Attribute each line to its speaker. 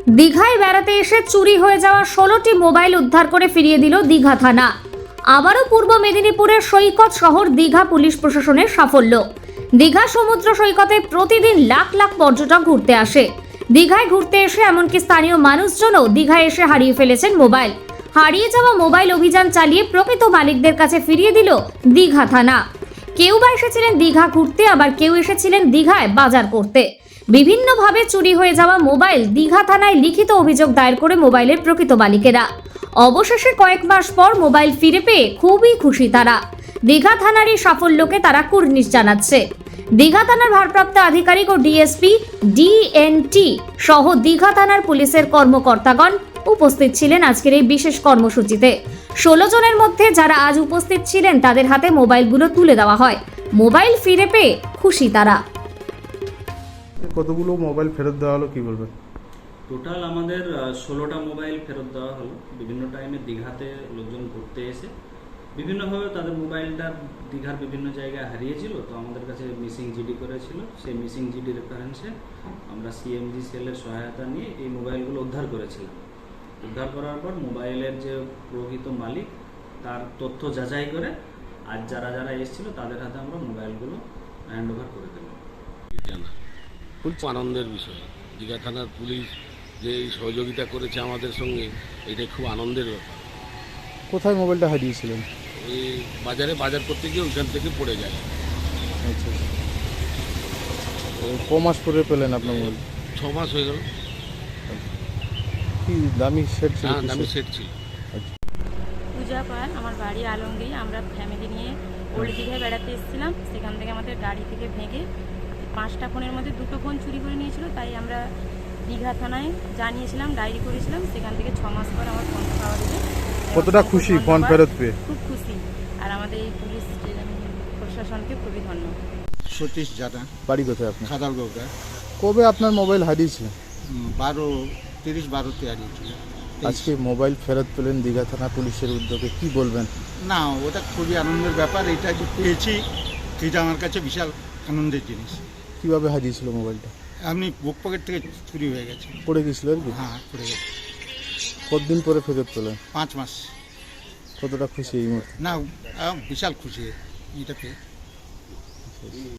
Speaker 1: দীঘায় বেড়াতে এসে চুরি হয়ে যাওয়া 16টি মোবাইল উদ্ধার করে ফিরিয়ে দিল দীঘা থানা। আবারও পূর্ব মেদিনীপুরের সৈকত শহর দীঘা পুলিশ প্রশাসনের সাফল্য। দীঘা সমুদ্র সৈকতে প্রতিদিন লাখ লাখ পর্যটক ঘুরতে আসে। দীঘায় ঘুরতে এসে এমনকি স্থানীয় মানুষজনও দীঘায় এসে হারিয়ে ফেলেছেন মোবাইল। হারিয়ে যাওয়া মোবাইল অভিযান চালিয়ে প্রকৃত মালিকদের কাছে ফিরিয়ে দিল দীঘা থানা। কেউ বা এসেছিলেন দীঘা ঘুরতে, আবার কেউ এসেছিলেন দীঘায় বাজার করতে। বিভিন্নভাবে চুরি হয়ে যাওয়া মোবাইল দীঘা থানায় লিখিত অভিযোগ দায়ের করে মোবাইলের প্রকৃত মালিকেরা। অবশেষে কয়েক মাস পর মোবাইল ফিরে পেয়ে খুবই খুশি তারা। দীঘা থানার এই সাফল্যকে তারা কুর্নিশ জানাচ্ছে। দীঘা থানার ভারপ্রাপ্ত আধিকারিক ও ডিএসপি ডিএনটি সহ দীঘা থানার পুলিশের কর্মকর্তাগণ উপস্থিত ছিলেন আজকের এই বিশেষ কর্মসূচিতে। 16 জনের মধ্যে যারা আজ উপস্থিত ছিলেন তাদের হাতে মোবাইলগুলো তুলে দেওয়া হয়। মোবাইল ফিরে পেয়ে খুশি তারা।
Speaker 2: কতগুলো মোবাইল ফেরত দেওয়া হলো কি বলবেন?
Speaker 3: টোটাল আমাদের 16টা মোবাইল ফেরত দেওয়া হলো। বিভিন্ন টাইমে দীঘাতে লোকজন ঘুরতে এসে বিভিন্নভাবে তাদের মোবাইলটা দীঘার বিভিন্ন জায়গায় হারিয়েছিল, তো আমাদের কাছে মিসিং জিডি করেছিল। সেই মিসিং জিডি রেফারেন্সে আমরা সিএমজি সেলের সহায়তা নিয়ে এই মোবাইলগুলো উদ্ধার করেছিলাম। উদ্ধার করার পর মোবাইলের যে প্রকৃত মালিক তার তথ্য যাচাই করে আজ যারা যারা এসেছিল তাদের হাতে আমরা মোবাইলগুলো হ্যান্ড ওভার করে দিলাম।
Speaker 4: খুব আনন্দের বিষয়। দীঘা থানার পুলিশ যে এই সহযোগিতা করেছে আমাদের সঙ্গে, এটাই খুব আনন্দের ব্যাপার।
Speaker 2: কোথায় মোবাইলটা হারিয়েছিলেন?
Speaker 4: ওই বাজারে বাজার করতে গিয়ে ওইখান থেকে পড়ে যায়।
Speaker 2: আচ্ছা, ক মাস পরে পেলেন আপনার মোবাইল?
Speaker 4: 6 মাস হয়ে গেল।
Speaker 2: কি দামি সেট ছিল?
Speaker 4: হ্যাঁ, দামি সেট ছিল।
Speaker 5: পূজা পাল, আমার বাড়ি আলমগীর। আমরা ফ্যামিলি নিয়ে ওল্ড দীঘায় বেড়াতে এসেছিলাম। সেখান থেকে আমাদের গাড়ি থেকে ভেঙে 5টা ফোনের মধ্যে 2টো ফোন চুরি করে নিয়েছিল। তাই আমরা দীঘা থানায় জানিয়েছিলাম, ডায়েরি করেছিলাম। সেখান থেকে 6 মাস পর আমার ফোন পাওয়া গেছে।
Speaker 2: কতটা খুশি ফোন ফেরত পেয়ে?
Speaker 5: খুব খুশি, আর আমাদের এই পুলিশ প্রশাসনকে খুবই ধন্যবাদ।
Speaker 6: সতীশ জানা,
Speaker 2: বাড়ি কোথায় আপনার?
Speaker 6: খাদালগোগা।
Speaker 2: কবে আপনার মোবাইল হারিয়েছে?
Speaker 6: 12-30-12-তে হারিয়েছিল।
Speaker 2: আজকে মোবাইল ফেরত পেলেন দীঘা থানা পুলিশের উদ্যোগে, কি বলবেন?
Speaker 6: না, ওটা খুবই আনন্দের ব্যাপার। এটা যে পেয়েছি এটা আমার কাছে বিশাল আনন্দের জিনিস।
Speaker 2: কিভাবে হারিয়েছিল মোবাইলটা?
Speaker 6: আপনি বুক পকেট থেকে চুরি হয়ে গেছে।
Speaker 2: পড়ে গেছিল আর কি?
Speaker 6: হ্যাঁ, পড়ে গেছে।
Speaker 2: কতদিন পরে ফেরত পেলেন?
Speaker 6: 5 মাস।
Speaker 2: কতটা খুশি এই মুহূর্তে?
Speaker 6: না, বিশাল খুশি এটা পেয়ে।